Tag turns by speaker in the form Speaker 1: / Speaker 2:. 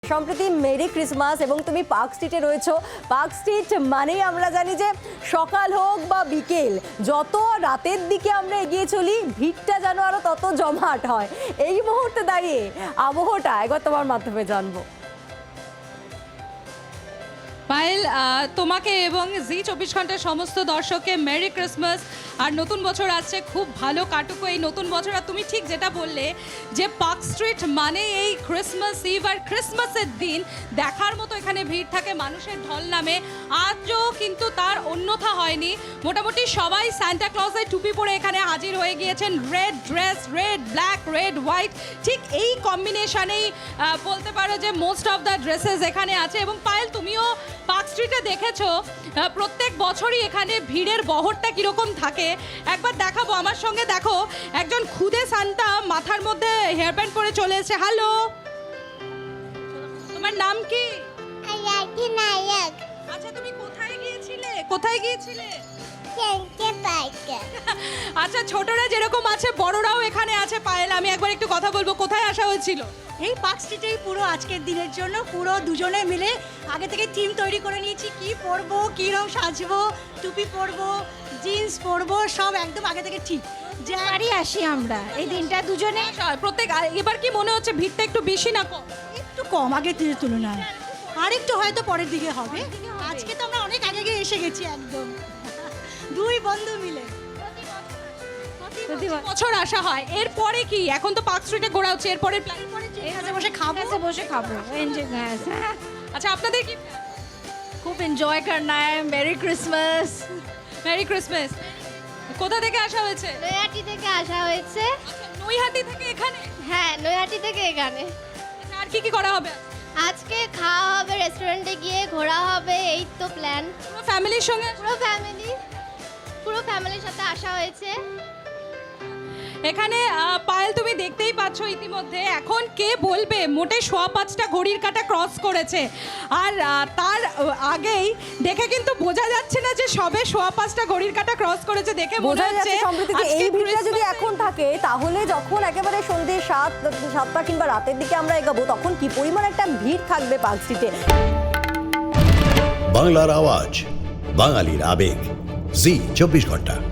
Speaker 1: সম্প্রতি merry Christmas এবং তুমি পার্ক স্ট্রিটে রয়েছো। পার্ক স্ট্রিট মানেই আমরা জানি যে সকাল হোক বা বিকেল, যত রাতের দিকে আমরা এগিয়ে চলি ভিড়টা যেন আরো তত জমাট হয়। এই মুহূর্তে দাঁড়িয়ে আবহাওয়াটা একবার তোমার মাধ্যমে জানবো।
Speaker 2: পায়েল, তোমাকে এবং জি24 ঘন্টার সমস্ত দর্শককে মেরি ক্রিসমাস। আর নতুন বছর আসছে, খুব ভালো কাটুক এই নতুন বছর। আর তুমি ঠিক যেটা বললে যে পার্ক স্ট্রিট মানে এই ক্রিসমাস ইভ আর ক্রিসমাসের দিন দেখার মতো এখানে ভিড় থাকে, মানুষের ঢল নামে। আজও কিন্তু তার অন্যথা হয়নি। মোটামুটি সবাই সান্টা ক্লজের টুপি পরে এখানে হাজির হয়ে গিয়েছেন। Red dress, red black, red white, ঠিক এই কম্বিনেশনেই বলতে পারো যে মোস্ট অফ দ্য ড্রেসেস এখানে আছে। এবং পায়েল, তুমিও পার্ক স্ট্রিটে দেখেছো প্রত্যেক বছরই এখানে ভিড়ের বহরটা কীরকম থাকে। একবার দেখাবো, আমার সঙ্গে দেখো একজন খুদে সান্টা মাথার মধ্যে হেয়ার ব্যান্ড করে চলে এসেছে। হ্যালো, তোমার নাম কি?
Speaker 3: নায়ক।
Speaker 2: আচ্ছা, তুমি কোথায় গিয়েছিলে? কোথায় গিয়েছিলে? আচ্ছা, ছোটরা যেরকম আছে বড়রাও এখানে আছে। পায়েল, আমি একবার একটু কথা বলবো, কোথায় আসা হয়েছিল?
Speaker 4: এই পার্ক স্ট্রিটেই পুরো আজকের দিনের জন্য পুরো দুজনে মিলে আগে থেকে থিম তৈরি করে নিয়েছি। কি পরবো, কী রকম সাজবো, টুপি পরবো, জিন্স পরবো, সব একদম আগে থেকে ঠিক।
Speaker 3: বাড়ি আসি আমরা এই দিনটা দুজনে।
Speaker 2: প্রত্যেক এবার কি মনে হচ্ছে ভিড়টা একটু বেশি না কম?
Speaker 4: একটু কম আগের দিনের তুলনায়, আর একটু হয়তো পরের দিকে হবে। আজকে তো আমরা অনেক আগে গিয়ে এসে গেছি একদম, দুই বন্ধু মিলে।
Speaker 2: প্রতি বছর আসা হয়। এরপরে কি, এখন তো পার্ক স্ট্রিটে ঘোরা হচ্ছে, এরপরে প্ল্যান
Speaker 4: এখানে বসে খাবো,
Speaker 3: বসে খাবো।
Speaker 2: আচ্ছা, আপনাদের কি?
Speaker 3: খুব এনজয় করনা है। Merry Christmas.
Speaker 2: Merry Christmas. কোথা থেকে আসা হয়েছে?
Speaker 5: নৈহাটি থেকে আসা হয়েছে।
Speaker 2: আচ্ছা, নৈহাটি থেকে এখানে?
Speaker 5: হ্যাঁ, নৈহাটি থেকে এখানে।
Speaker 2: আচ্ছা, আর কি কি করা হবে?
Speaker 5: আজকে খাওয়া হবে, রেস্টুরেন্টে গিয়ে ঘোরা হবে, এই তো প্ল্যান।
Speaker 2: পুরো ফ্যামিলির সঙ্গে?
Speaker 5: পুরো ফ্যামিলির সাথে আসা হয়েছে।
Speaker 2: এখানে পায়েল, তুমি দেখতেই পাচ্ছ ইতিমধ্যে এখন কে বলবে মোটে 5:15 ঘড়ির কাঁটা ক্রস করেছে। আর তার আগেই দেখে কিন্তু বোঝা যাচ্ছে না যে সবে 5:15 ঘড়ির কাঁটা ক্রস করেছে। দেখে
Speaker 1: বোঝা
Speaker 2: মনে
Speaker 1: যাচ্ছে
Speaker 2: হচ্ছে
Speaker 1: সম্প্রতি যে এই ভিড়টা যদি এখন থাকে তাহলে যখন একেবারে সন্ধ্যে 7টা কিংবা রাতের দিকে আমরা এগাবো তখন কি পরিমাণ একটা ভিড় থাকবে পার্ক স্ট্রিটে।
Speaker 6: বাংলার আওয়াজ, বাঙালির আবেগ, জি24 ঘন্টা।